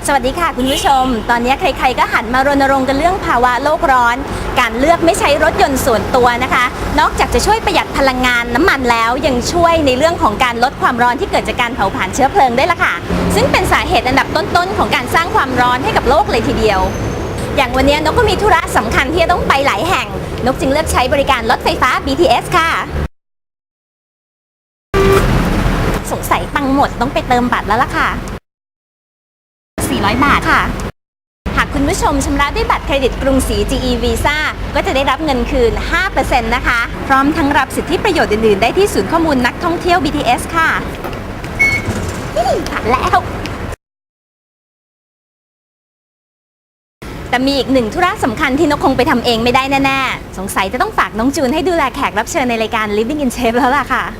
สวัสดีค่ะคุณผู้ชมตอนนี้ใครๆก็หันมารณรงค์กันเรื่องภาวะโลกร้อนการเลือกไม่ใช้รถยนต์ส่วนตัวนะคะนอกจากจะช่วยประหยัดพลังงานน้ำมันแล้วยังช่วยในเรื่องของการลดความร้อนที่เกิดจากการเผาผลาญเชื้อเพลิงได้ละค่ะซึ่งเป็นสาเหตุอันดับต้นๆของการสร้างความร้อนให้กับโลกเลยทีเดียวอย่างวันนี้นกก็มีธุระสำคัญที่จะต้องไปหลายแห่งนกจึงเลือกใช้บริการรถไฟฟ้า BTS ค่ะสงสัยตังค์หมดต้องไปเติมบัตรแล้วล่ะค่ะ400 บาทค่ะหากคุณผู้ชมชำระด้วยบัตรเครดิตกรุงศรี GE Visa ก็จะได้รับเงินคืน 5% นะคะพร้อมทั้งรับสิทธิประโยชน์อื่นๆได้ที่ศูนย์ข้อมูลนักท่องเที่ยว BTS ค่ะผ่านแล้วแต่มีอีกหนึ่งธุระสำคัญที่นกคงไปทำเองไม่ได้แน่ๆสงสัยจะต้องฝากน้องจูนให้ดูแลแขกรับเชิญในรายการ Living in Shape แล้วล่ะค่ะ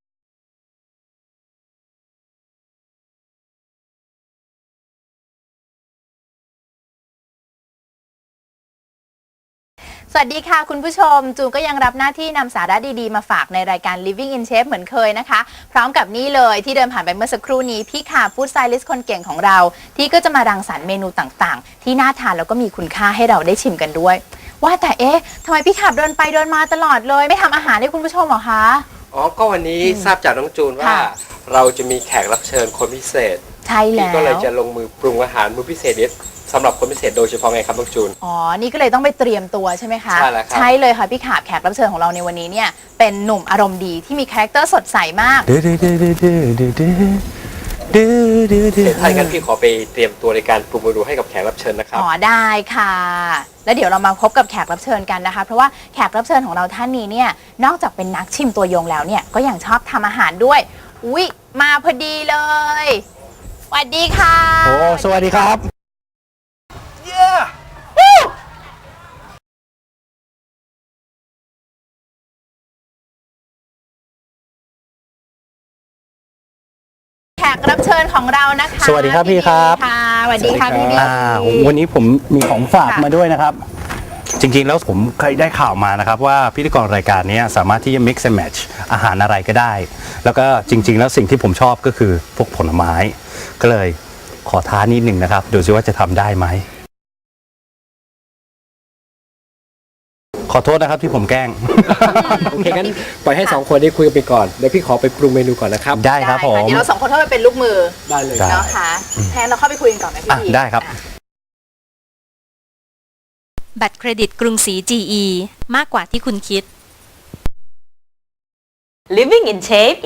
สวัสดีค่ะคุณผู้ชมจูนก็ยังรับหน้าที่นำสาระดีๆมาฝากในรายการ Living in Shape เหมือนเคยนะคะพร้อมกับนี่เลยที่เดินผ่านไปเมื่อสักครู่นี้พี่ขาฟู้ดสไตลิสต์คนเก่งของเราที่ก็จะมารังสรรค์เมนูต่างๆที่น่าทานแล้วก็มีคุณค่าให้เราได้ชิมกันด้วยว่าแต่ทำไมพี่ขาเดินไปเดินมาตลอดเลยไม่ทำอาหารให้คุณผู้ชมหรอคะก็วันนี้ทราบจากน้องจูนว่าเราจะมีแขกรับเชิญคนพิเศษใช่แล้วที่ก็เลยจะลงมือปรุงอาหารมื้อพิเศษนี้สำหรับคนพิเศษโดยเฉพาะไงครับน้องจูนนี่ก็เลยต้องไปเตรียมตัวใช่ไหมคะใช่แล้วครับใช่เลยค่ะพี่ขาแขกรับเชิญของเราในวันนี้เนี่ยเป็นหนุ่มอารมณ์ดีที่มีคาแรคเตอร์สดใสมากถ้าอย่างนั้นพี่ขอไปเตรียมตัวในการปรุงเมนูให้กับแขกรับเชิญนะครับได้ค่ะแล้วเดี๋ยวเรามาพบกับแขกรับเชิญกันนะคะเพราะว่าแขกรับเชิญของเราท่านนี้เนี่ยนอกจากเป็นนักชิมตัวยงแล้วเนี่ยก็ยังชอบทำอาหารด้วยมาพอดีเลยสวัสดีค่ะสวัสดีครับแขกรับเชิญของเรานะคะสวัสดีครับพี่ครับสวัสดีค่ะพี่บีวันนี้ผมมีของฝากมาด้วยนะครับจริงๆแล้วผมเคยได้ข่าวมานะครับว่าพิธีกรรายการนี้สามารถที่จะ mix and match อาหารอะไรก็ได้แล้วก็จริงๆแล้วสิ่งที่ผมชอบก็คือพวกผลไม้ก็เลยขอท้านิดหนึ่งนะครับดูซิว่าจะทำได้ไหมขอโทษนะครับที่ผมแกล้งโอเคงั้นปล่อยให้2คนได้คุยกันไปก่อนเดี๋ยวพี่ขอไปปรุงเมนูก่อนนะครับได้ครับผมเดี๋ยวเรา2คนเข้าไปเป็นลูกมือได้เลยนะคะแทนเราเข้าไปคุยกันก่อนไหมพี่ได้ครับบัตรเครดิตกรุงศรี GE มากกว่าที่คุณคิด Living in Shape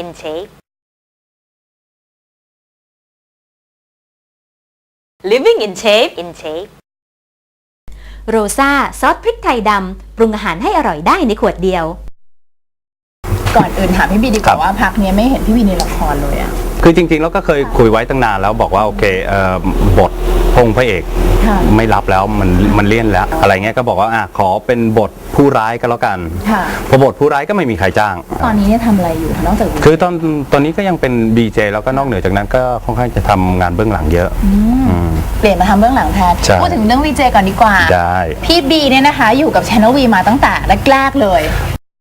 Living in Shapeโรซ่าซอสพริกไทยดำปรุงอาหารให้อร่อยได้ในขวดเดียวก่อนอื่นถามพี่บีดีกว่าว่าพักนี้ไม่เห็นพี่บีในละครเลยอะคือจริงๆแล้วก็เคยคุยไว้ตั้งนานแล้วบอกว่าโอเคบทพงพระเอกไม่รับแล้วมันเลี่ยนแล้วอะไรเงี้ยก็บอกว่าขอเป็นบทผู้ร้ายก็แล้วกันพอบทผู้ร้ายก็ไม่มีใครจ้างตอนนี้เนี่ยทำอะไรอยู่นอกจากคือตอนนี้ก็ยังเป็น BJ แล้วก็นอกเหนือจากนั้นก็ค่อนข้างจะทำงานเบื้องหลังเยอะเปลี่ยนมาทำเบื้องหลังแทนพูดถึงเรื่อง VJ ก่อนดีกว่าพี่บีเนี่ยนะคะอยู่กับ Channel V มาตั้งแต่แรกๆเลย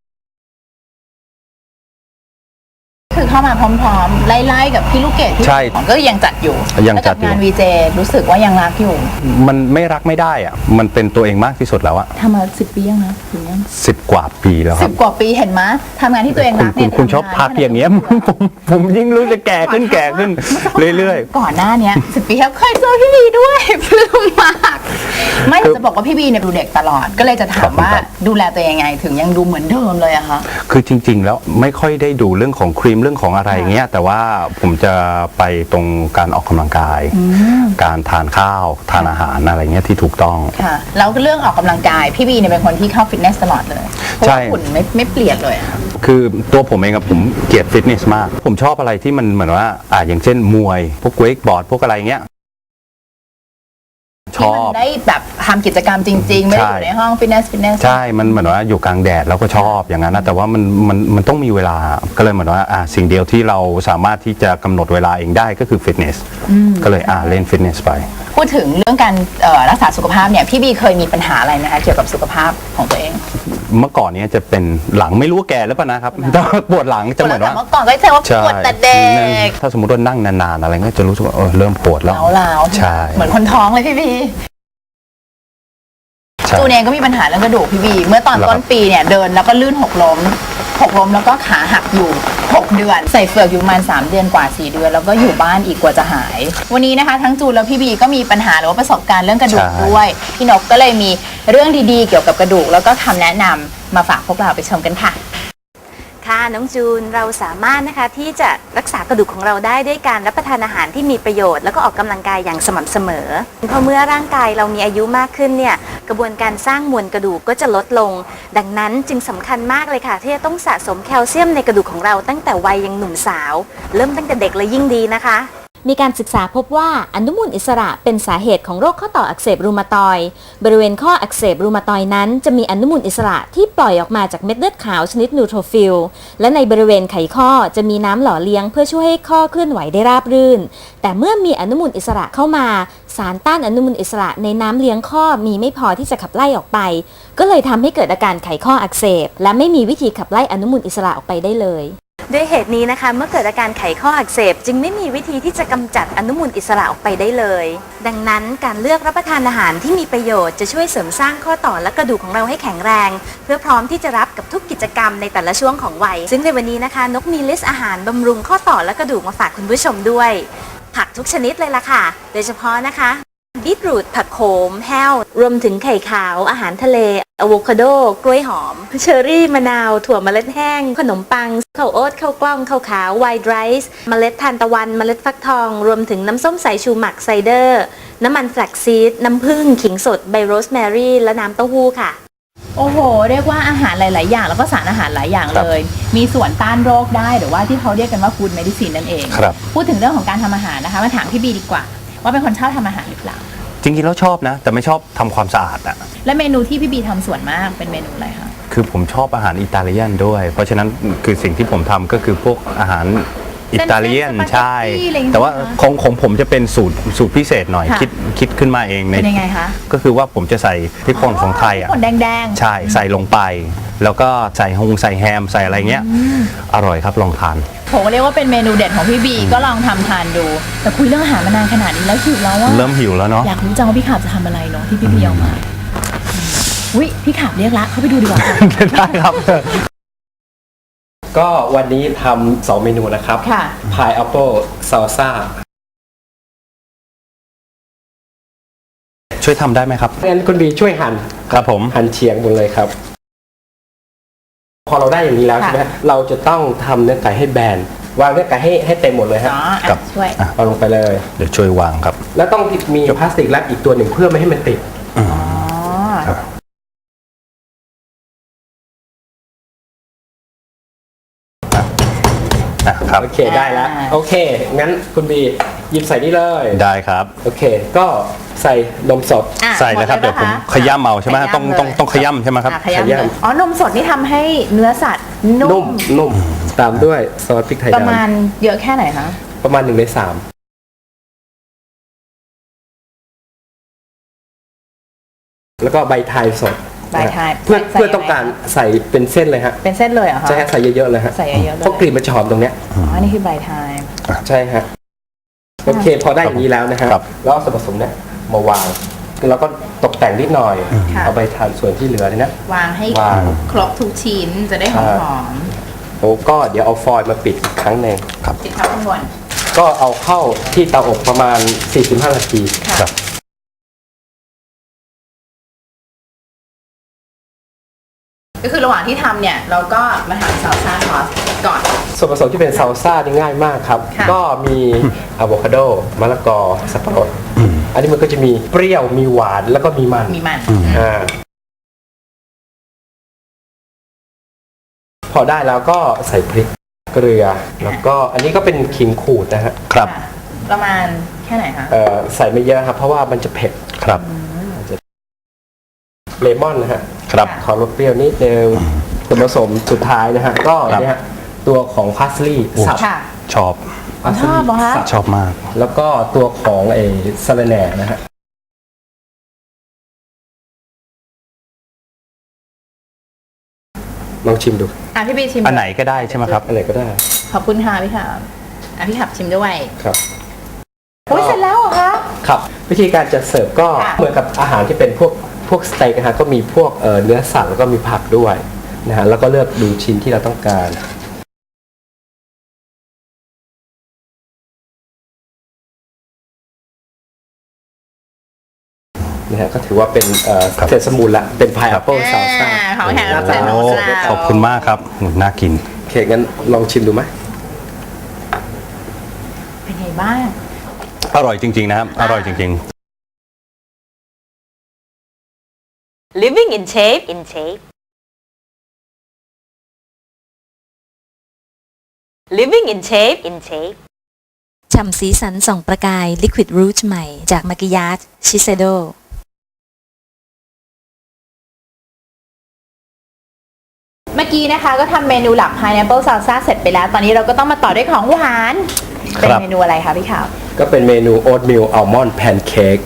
คือเข้ามาพร้อมๆไล่ๆกับพี่ลูกเกดที่ก็ยังจัดอยู่งาน VJ รู้สึกว่ายังรักอยู่มันไม่รักไม่ได้อะมันเป็นตัวเองมากที่สุดแล้วอะทำมา10 ปียังนะถึงยัง 10 กว่าปีแล้วครับ 10 กว่าปีเห็นไหมทำงานที่ตัวเองรักเนี่ยคุณชอบพักอย่างเงี้ยผมยิ่งรู้จะแก่ขึ้นเรื่อยๆก่อนหน้านี้10 ปีแล้วเคยเจอพี่บีด้วยปลื้มมากไม่จะบอกว่าพี่บีเนี่ยดูเด็กตลอดก็เลยจะถามว่าดูแลตัวเองยังไงถึงยังดูเหมือนเดิมเลยอะคะคือจริงๆแล้วไม่ค่อยได้ดูเรื่องของครีมเรื่องของอะไรเงี้ยแต่ว่าผมจะไปตรงการออกกำลังกายการทานข้าวทานอาหารอะไรเงี้ยที่ถูกต้องค่ะแล้วเรื่องออกกำลังกายพี่บีเนี่ยเป็นคนที่เข้าฟิตเนสตลอดเลยใช่หุ่นไม่เปลี่ยนเลยคือตัวผมเองผมเกลียดฟิตเนสมากผมชอบอะไรที่มันเหมือนว่าอย่างเช่นมวยพวกเวกบอร์ดพวกอะไรเงี้ยชอบได้แบบทำกิจกรรมจริงๆไม่ได้อยู่ในห้องฟิตเนสใช่มันเหมือนว่าอยู่กลางแดดแล้วก็ชอบอย่างนั้นนะแต่ว่ามันต้องมีเวลาก็เลยเหมือนว่าสิ่งเดียวที่เราสามารถที่จะกำหนดเวลาเองได้ก็คือฟิตเนสก็เลยเล่นฟิตเนสไปพูดถึงเรื่องการรักษาสุขภาพเนี่ยพี่บีเคยมีปัญหาอะไรไหมคะเกี่ยวกับสุขภาพของตัวเองเมื่อก่อนเนี้จะเป็นหลังไม่รู้ว่าแก่แล้วป่ะนะครับแต่ปวดหลังจะเหมือนว่าเมื่อก่อนก็จะว่าปวดแต่เด็กถ้าสมมติว่านั่งนานๆอะไรก็จะรู้สึกว่าเริ่มปวดแล้วล้าวๆใช่เหมือนคนท้องเลยพี่บีใช่จูนเองก็มีปัญหาเรื่องกระดูกพี่บีเมื่อตอนต้นปีเนี่ยเดินแล้วก็ลื่นหกล้มแล้วก็ขาหักอยู่6เดือนใส่เฟือกอยู่ประมาณ3เดือนกว่า4เดือนแล้วก็อยู่บ้านอีกกว่าจะหาย วันนี้นะคะทั้งจูนแล้วพี่บีก็มีปัญหาหรือว่าประสบการณ์เรื่องกระดูกด้วยพี่นกก็เลยมีเรื่องดีๆเกี่ยวกับกระดูกแล้วก็คำแนะนำมาฝากพวกเราไปชมกันค่ะค่ะน้องจูนเราสามารถนะคะที่จะรักษากระดูกของเราได้ด้วยการรับประทานอาหารที่มีประโยชน์แล้วก็ออกกำลังกายอย่างสม่ำเสมอเพราะเมื่อร่างกายเรามีอายุมากขึ้นเนี่ยกระบวนการสร้างมวลกระดูกก็จะลดลงดังนั้นจึงสำคัญมากเลยค่ะที่จะต้องสะสมแคลเซียมในกระดูกของเราตั้งแต่วัยยังหนุ่มสาวเริ่มตั้งแต่เด็กเลยยิ่งดีนะคะมีการศึกษาพบว่าอนุมูลอิสระเป็นสาเหตุของโรคข้อต่ออักเสบรูมาตอยด์บริเวณข้ออักเสบรูมาตอยด์นั้นจะมีอนุมูลอิสระที่ปล่อยออกมาจากเม็ดเลือดขาวชนิดนูโทรฟิลและในบริเวณไขข้อจะมีน้ำหล่อเลี้ยงเพื่อช่วยให้ข้อเคลื่อนไหวได้ราบรื่นแต่เมื่อมีอนุมูลอิสระเข้ามาสารต้านอนุมูลอิสระในน้ำเลี้ยงข้อมีไม่พอที่จะขับไล่ออกไปก็เลยทำให้เกิดอาการไขข้ออักเสบและไม่มีวิธีขับไล่อนุมูลอิสระออกไปได้เลยด้วยเหตุนี้นะคะเมื่อเกิดอาการไขข้ออักเสบจึงไม่มีวิธีที่จะกำจัดอนุมูลอิสระออกไปได้เลยดังนั้นการเลือกรับประทานอาหารที่มีประโยชน์จะช่วยเสริมสร้างข้อต่อและกระดูกของเราให้แข็งแรงเพื่อพร้อมที่จะรับกับทุกกิจกรรมในแต่ละช่วงของวัยซึ่งในวันนี้นะคะนกมีลิสต์อาหารบำรุงข้อต่อและกระดูกมาฝากคุณผู้ชมด้วยผักทุกชนิดเลยล่ะค่ะโดยเฉพาะนะคะบีทรูทผักโขมแห้วรวมถึงไข่ขาวอาหารทะเลอะโวคาโดกล้วยหอมเชอร์รี่มะนาวถั่วเมล็ดแห้งขนมปังข้าวโอ๊ตข้าวกล้องข้าวขาวไวท์ไรซ์เมล็ดทานตะวันเมล็ดฟักทองรวมถึงน้ำส้มสายชูหมักไซเดอร์น้ำมันแฟลกซีดน้ำผึ้งขิงสดใบโรสแมรี่และน้ำเต้าหู้ค่ะโอ้โหเรียกว่าอาหารหลาย ๆ อย่างแล้วก็สารอาหารหลายอย่างเลย มีส่วนต้านโรคได้หรือว่าที่เขาเรียกกันว่าฟู้ดเมดิซินนั่นเอง พูดถึงเรื่องของการทำอาหารนะคะมาถามพี่บีดีกว่าว่าเป็นคนชอบทำอาหารหรือเปล่าจริงๆแล้วชอบนะแต่ไม่ชอบทำความสะอาดอะและเมนูที่พี่บีทำส่วนมากเป็นเมนูอะไรคะคือผมชอบอาหารอิตาเลียนด้วยเพราะฉะนั้นคือสิ่งที่ผมทำก็คือพวกอาหารอิตาเลียนใช่แต่ว่าของผมจะเป็นสูตรพิเศษหน่อยคิดขึ้นมาเองเป็นยังไงคะก็คือว่าผมจะใส่พริกป่นของไทยอ่ะพริกป่นแดงๆใช่ใส่ลงไปแล้วก็ใส่แฮมใส่อะไรเงี้ยอร่อยครับลองทานผมเรียกว่าเป็นเมนูเด็ดของพี่บีก็ลองทำทานดูแต่คุยเรื่องอาหารมานานขนาดนี้แล้วหิวแล้วว่าเริ่มหิวแล้วเนาะอยากรู้จังว่าพี่ขาบจะทำอะไรเนาะที่พี่บีเอามาอุ๊ยพี่ขาบเรียกละเข้าไปดูดีกว่าได้ครับก็วันนี้ทำ2เมนูนะครับค่ะ Pineapple Salsa ช่วยทำได้ไหมครับงั้นคุณบีช่วยหั่นครับผมหั่นเฉียงหมดเลยครับพอเราได้อย่างนี้แล้วใช่ไหมเราจะต้องทำเนื้อไก่ให้แบนวางเนื้อไก่ให้เต็มหมดเลยฮะกับช่วยเอาลงไปเลยเดี๋ยวช่วยวางครับแล้วต้องมีพลาสติกแรปอีกตัวหนึ่งเพื่อไม่ให้มันติดโอเคได้แล้วโอเคงั้นคุณบีหยิบใส่นี่เลยได้ครับโอเคก็ใส่นมสดใส่เลยครับเดี๋ยวผมขย้ำเอาใช่ไหมต้องขย้ำใช่ไหมครับขย้ำอ๋อนมสดนี่ทำให้เนื้อสัตว์นุ่มตามด้วยซอสพริกไทยดำประมาณเยอะแค่ไหนคะประมาณ1/3แล้วก็ใบไทยสดเพื่อต้องการใส่เป็นเส้นเลยฮะเป็นเส้นเลยเหรอคะใช่ใส่เยอะๆเลยฮะใส่เยอะๆเลยเพราะกลิ่นมันจะหอมตรงเนี้ยอ๋อนี่คือใบไทยใช่ฮะโอเคพอได้อย่างนี้แล้วนะฮะแล้วเอาส่วนผสมเนี่ยมาวางแล้วก็ตกแต่งนิดหน่อยเอาไปทานส่วนที่เหลือเนี่ยวางให้ครบทุกชิ้นจะได้หอมโอ้ก็เดี๋ยวเอาฟอยล์มาปิดอีกครั้งหนึ่งปิดข้างบนก็เอาเข้าที่เตาอบประมาณ45 นาทีก็คือระหว่างที่ทำเนี่ยเราก็มาทำซาลซ่าซอสก่อนส่วนผสมที่เป็นซาลซ่านี่ง่ายมากครับก็มีอะโวคาโดมะละกอสับปะรดอันนี้มันก็จะมีเปรี้ยวมีหวานแล้วก็มีมันพอได้แล้วก็ใส่พริกเกลือแล้วก็อันนี้ก็เป็นขิงขูดนะฮะครับประมาณแค่ไหนคะใส่ไม่เยอะครับเพราะว่ามันจะเผ็ดครับเลมอนนะฮะครับขอรสเปรี้ยวนิดนึงส่วนผสมสุดท้ายนะฮะก็เนี่ยตัวของพาสลีย์สับชอบชอบเหรอคะชอบมากแล้วก็ตัวของสะระแหน่นะฮะลองชิมดูพี่บีชิมอันไหนก็ได้ใช่ไหมครับอันไหนก็ได้ขอบคุณค่ะพี่ขับพี่ขับชิมด้วยครับโอ้ยเสร็จแล้วเหรอคะครับวิธีการจะเสิร์ฟก็ค่ะเหมือนกับอาหารที่เป็นพวกสเต็กนะฮะก็มีพวกเนื้อสัตว์แล้วก็มีผักด้วยนะฮะแล้วก็เลือกดูชิ้นที่เราต้องการนะฮะก็ถือว่าเป็นเสร็จสมบูรณ์ละเป็นพายแอปเปิลซาลซ่าของแขกรับเชิญของโอ้เราขอบคุณมากครับน่ากินโอเคงั้นลองชิมดูไหมเป็นไงบ้างอร่อยจริงๆนะครับ อร่อยจริง Living in shape in shape Living in shape in shape ฉ่ำสีสันส่องประกาย Liquid Rouge ใหม่จากมากิยาชชิเซโดเมื่อกี้นะคะก็ทำเมนูหลัก Pineapple Salsa เสร็จไปแล้ว ตอนนี้เราก็ต้องมาต่อด้วยของหวานครับเป็นเมนูอะไรคะพี่ขาวก็เป็นเมนูโอ๊ตมิลอัลมอนด์แพนเค้ก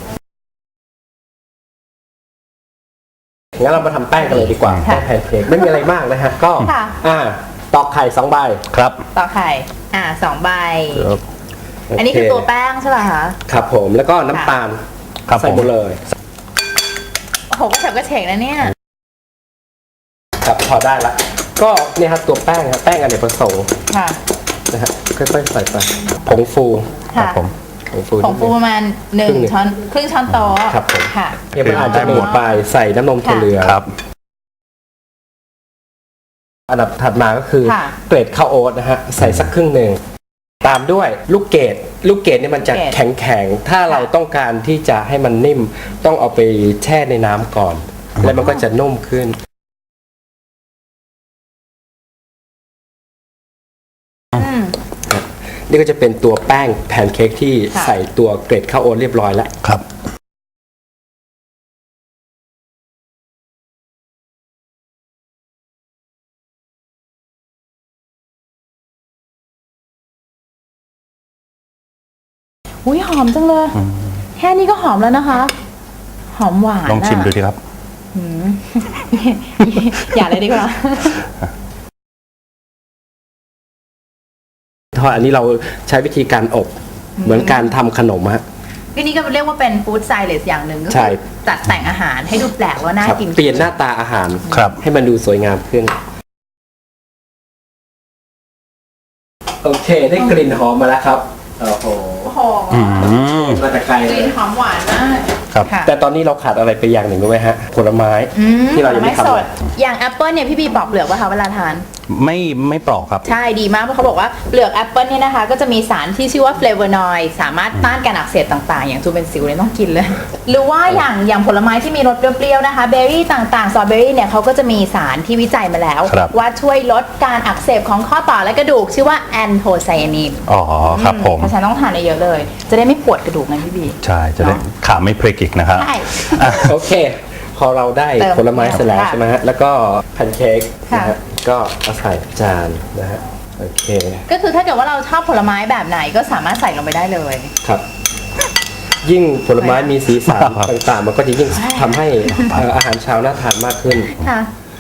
งั้นเรามาทำแป้งกันเลยดีกว่าค่ะแป้งแพนเค้กไม่มีอะไรมากนะฮะก็ค่ะตอกไข่2 ใบๆ ครับต่อไข่2 ใบโอันนี้คือตัวแป้งใช่ไหมคะครับผมแล้วก็น้ำตาลครับใส่ผมหมดเลยโอ้โหก็แฉบก็เฉงนะเนี่ยครับพอได้ละก็เนี่ยครับตัวแป้งครับแป้งอเนกประสงค์ค่ะนะฮะค่อยๆใส่ไปผงฟูครับค่ะผมผงฟูผงฟูประมาณครึ่งหนึ่ง 1 ช้อนครึ่งช้อนโต๊ะครับผมค่ะยังไม่อาจจะหมดไปใส่น้ำนมถั่วเหลืองครับอันดับถัดมาก็คือค่ะเกรดข้าวโอ๊ตนะฮะใส่สักครึ่งหนึ่งตามด้วยลูกเกดเนี่ยมันจะเกรดแข็งๆถ้าเราต้องการที่จะให้มันนิ่มต้องเอาไปแช่ในน้ำก่อน แล้วมันก็จะนุ่มขึ้น นี่ก็จะเป็นตัวแป้งแพนเค้กที่ค่ะใส่ตัวเกรดข้าวโอ๊ตเรียบร้อยแล้วครับอุ้ยหอมจังเลย แค่นี้ก็หอมแล้วนะคะ หอมหวานลองชิมดูะดีครับอย่าเลยดีกว่าทอดอันนี้เราใช้วิธีการอบเหมือนการทำขนมฮะก็นี่ก็เรียกว่าเป็นฟู้ดไซเลสอย่างหนึ่งก็ใช่คือจัดแต่งอาหารให้ดูแปลกว่าน่าครับกินเปลี่ยนหน้าตาอาหารครับให้มันดูสวยงามขึ้น โอเคได้กลิ่นหอมมาแล้วครับโอ้โหโอ้โหอืมมาแต่ไกลกเลลิ่นยหอมหวานมากครับค่ะแต่ตอนนี้เราขาดอะไรไปอย่างหนึ่งรู้ไหมฮะผลไม้ที่เรายังไม่ผลทำสดอย่างแอปเปิลเนี่ยพี่บีปอกเปลือกป่ะคะเวลาทานไม่ปลอกครับใช่ดีมากเพราะเขาบอกว่าเปลือกแอปเปิลเนี่ยนะคะก็จะมีสารที่ชื่อว่าเฟลโวนอยด์สามารถต้านการอักเสบต่างๆ อย่างทูเบนซิลเนี่ยต้องกินเลย หรือว่าอย่างผลไม้ที่มีรสเปรี้ยวๆนะคะเบอร์รี่ต่างๆสตรอเบอร์รี่เนี่ยเขาก็จะมีสารที่วิจัยมาแล้วครับว่าช่วยลดการอักเสบของข้อต่อและกระดูกชื่อว่าแอนโทไซยานินอ๋อครับผมเพราะฉะนั้นต้องทานเยอะๆเลย จะได้ไม่ปวดกระดูกนะพี่บีใช่ จะได้ขาไม่พลิกอีกนะครับใช่โอเค พอเราได้เติมผลไม้เสร็จแล้วค่ะใช่ไหมฮะแล้วก็แพนเค้กค่ะนะฮะก็เอาใส่จานนะฮะโอเคก็คือถ้าเกิดว่าเราชอบผลไม้แบบไหนก็สามารถใส่ลงไปได้เลยครับ ยิ่งผลไม้มีสีสันครับต่างๆ มันก็จะยิ่งทำให้อาหารเช้าน่าทานมากขึ้นค่ะ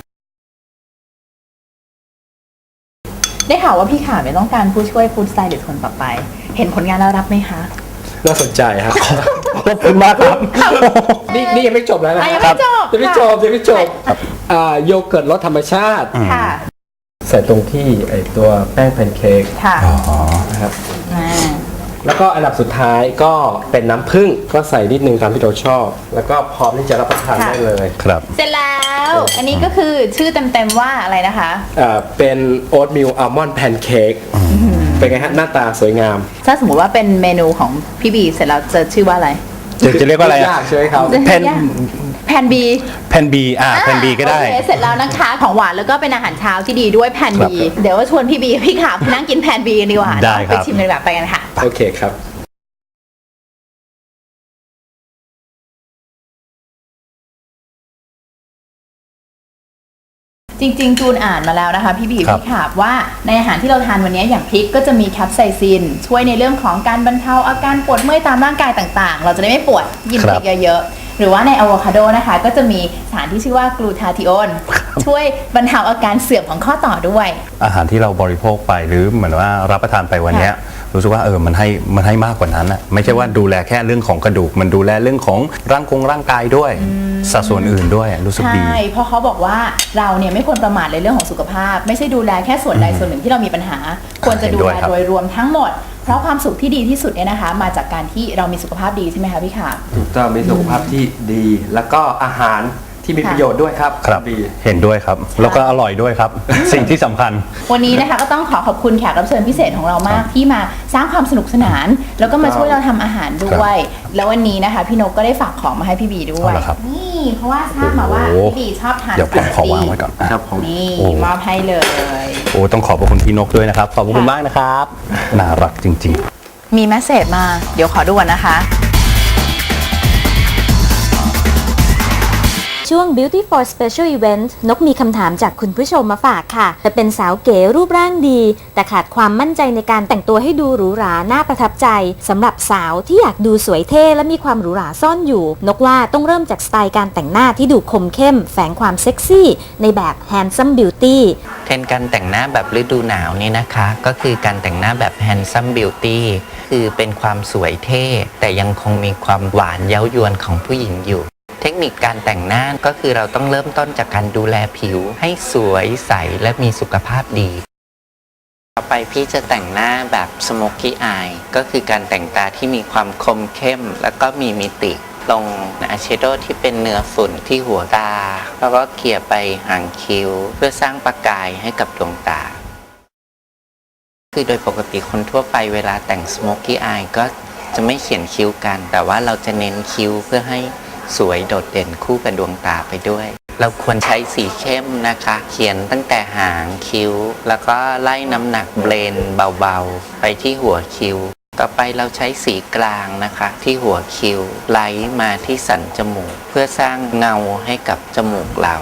ได้ข่าวว่าพี่ขาไม่ต้องการผู้ช่วยฟู้ดสไตลิสต์คนต่อไป เห็นผลงานแล้วรับไหมคะน่าสนใจฮะขอบคุณมากครับนี่ยังไม่จบแล้วนะยังไม่จบยังไม่จบยังไม่จบโยเกิร์ตรสธรรมชาติค่ะใส่ตรงที่ไอตัวแป้งแพนเค้กค่ะนะครับอ่าแล้วก็อันดับสุดท้ายก็เป็นน้ำผึ้งก็ใส่นิดนึงตามที่เราชอบ แล้วก็พร้อมที่จะรับประทานได้เลยครับเสร็จแล้ว อันนี้ก็คือชื่อเต็มๆว่าอะไรนะคะเป็นโอ๊ตมิลอัลมอนด์แพนเค้กเป็นไงฮะหน้าตาสวยงามถ้าสมมติว่าเป็นเมนูของพี่บีเสร็จแล้วจะชื่อว่าอะไรจะเรียกว่าอะไรยากใช่ไหมครับแพนแพนบีแพนบีแพนบีก็ได้โอเคเสร็จแล้วนะคะของหวานแล้วก็เป็นอาหารเช้าที่ดีด้วยแพนครับบีเดี๋ยวว่าชวนพี่บีพี่ขานั่งกินแพนบีกันดีกว่าได้ครับไปชิมเลยแบบไปกันค่ะโอเคครับจริงๆจูนอ่านมาแล้วนะคะพี่บีครับพี่ขาบว่าในอาหารที่เราทานวันนี้อย่างพริกก็จะมีแคปไซซินช่วยในเรื่องของการบรรเทาอาการปวดเมื่อยตามร่างกายต่างๆ เราจะได้ไม่ปวดกินพริกเยอะๆหรือว่าในอะโวคาโดนะคะก็จะมีสารที่ชื่อว่ากลูทาธิโอนช่วยบรรเทาอาการเสื่อมของข้อต่อด้วยอาหารที่เราบริโภคไปหรือเหมือนว่ารับประทานไปวันเนี้ยรู้สึกว่ามันให้มากกว่านั้นนะไม่ใช่ว่าดูแลแค่เรื่องของกระดูกมันดูแลเรื่องของร่างกายด้วยสัดส่วนอื่นด้วยรู้สึกดีใช่เพราะเขาบอกว่าเราเนี่ยไม่ควรประมาทในเรื่องของสุขภาพ ไม่ใช่ดูแลแค่ส่วนใดส่วนหนึ่งที่เรามีปัญหา ควรจะดูแลโดยรวมทั้งหมด เพราะความสุขที่ดีที่สุดเนี่ยนะคะ มาจากการที่เรามีสุขภาพดีใช่ไหมคะพี่ขาถูกต้องมีสุขภาพที่ดี แล้วก็อาหารที่มีประโยชน์ด้วยครับครับดีเห็นด้วยครับแล้วก็อร่อยด้วยครับ สิ่งที่สำคัญวันนี้นะคะก็ต้องขอบคุณแขกรับเชิญพิเศษของเรามากที่มาสร้างความสนุกสนาน แล้วก็มาช่วยเราทำอาหารด้วย แล้ววันนี้นะคะพี่นกก็ได้ฝากของมาให้พี่บีด้วยเอาล่ะครับนี่เพราะว่าทราบมาว่าโอ้โหพี่บีชอบทานเดี๋ยวผมขอวางไว้ก่อนครับผมนี่โอ้มอบให้เลยโอ้ต้องขอบพระคุณพี่นกด้วยนะครับขอบพระคุณมากนะครับน่ารักจริง ๆมีแมสเสจมาเดี๋ยวขอดูก่อนนะคะช่วง Beauty for Special Event นกมีคำถามจากคุณผู้ชมมาฝากค่ะจะเป็นสาวเก๋รูปร่างดี แต่ขาดความมั่นใจในการแต่งตัวให้ดูหรูหราน่าประทับใจสำหรับสาวที่อยากดูสวยเท่และมีความหรูหราซ่อนอยู่ นกว่าต้องเริ่มจากสไตล์การแต่งหน้าที่ดูคมเข้ม แฝงความเซ็กซี่ในแบบ Handsome Beauty เทรนด์การแต่งหน้าแบบฤดูหนาวนี่นะคะ ก็คือการแต่งหน้าแบบ handsome beauty คือเป็นความสวยเท่ แต่ยังคงมีความหวานเย้ายวนของผู้หญิงอยู่ เทคนิคการแต่งหน้าก็คือเราต้องเริ่มต้นจากการดูแลผิวให้สวยใสและมีสุขภาพดี ต่อไปพี่จะแต่งหน้าแบบ smoky eye ก็คือการแต่งตาที่มีความคมเข้มแล้วก็มีมิติ ลงอายแชโดว์ที่เป็นเนื้อฝุ่นที่หัวตา แล้วก็เกลี่ยไปหางคิ้ว เพื่อสร้างประกายให้กับดวงตา คือโดยปกติคนทั่วไปเวลาแต่ง smoky eye ก็จะไม่เขียนคิ้วกัน แต่ว่าเราจะเน้นคิ้วเพื่อให้สวยโดดเด่นคู่กับดวงตาไปด้วย เราควรใช้สีเข้มนะคะ เขียนตั้งแต่หางคิ้ว แล้วก็ไล่น้ำหนักเบลนเบาๆไปที่หัวคิ้ว ต่อไปเราใช้สีกลางนะคะที่หัวคิ้วไล่มาที่สันจมูกเพื่อสร้างเงาให้กับจมูกเรา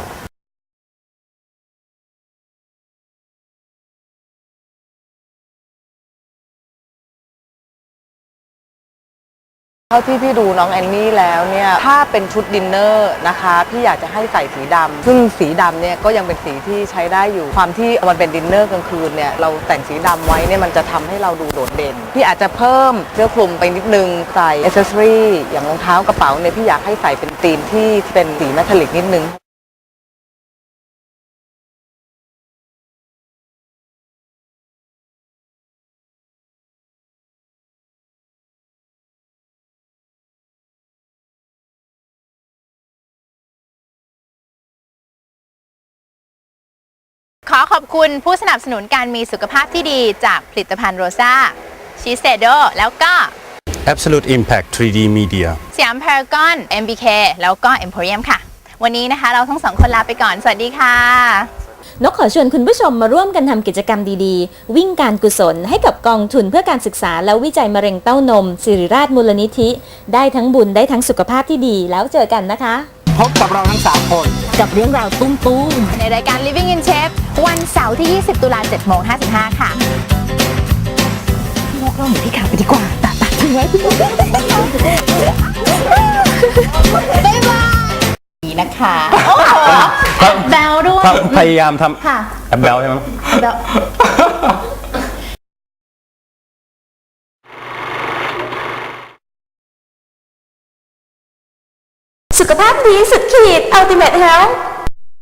เท่าที่พี่ดูน้องแอนนี่แล้วเนี่ยถ้าเป็นชุดดินเนอร์นะคะพี่อยากจะให้ใส่สีดำซึ่งสีดำเนี่ยก็ยังเป็นสีที่ใช้ได้อยู่ความที่มันเป็นดินเนอร์กลางคืนเนี่ยเราแต่งสีดำไว้เนี่ยมันจะทำให้เราดูโดดเด่นพี่อาจจะเพิ่มเสื้อคลุมไปนิดนึงใส่อ c เซสซอรี่อย่างรองเท้ากระเป๋าเนี่ยพี่อยากให้ใส่เป็นธีมที่เป็นสีเมทัลลิกนิดนึงขอขอบคุณผู้สนับสนุนการมีสุขภาพที่ดีจากผลิตภัณฑ์โรซ่าชีสเซโดแล้วก็ Absolute Impact 3D Media สยามพารากอน MBK แล้วก็ Emporium ค่ะ วันนี้นะคะเราทั้งสองคนลาไปก่อน สวัสดีค่ะนกขอชวนคุณผู้ชมมาร่วมกันทำกิจกรรมดีๆ วิ่งการกุศลให้กับกองทุนเพื่อการศึกษาและวิจัยมะเร็งเต้านมศิริราชมูลนิธิ ได้ทั้งบุญได้ทั้งสุขภาพที่ดีแล้วเจอกันนะคะพบกับเราทั้ง 3 คนกับเรื่องราวตุ้มๆในรายการ Living in Shape วันเสาร์ที่ 20 ตุลา 7:55 ค่ะนกเราหนีพี่ขาวไปดีกว่าตัดทิ้งไว้พี่นกบ๊ายบายนี่นะคะโอ้โหแบลด้วยพยายามทค่ะำแอปเบลใช่ไหมแบลสุขภาพดีสุดขีด Ultimate Health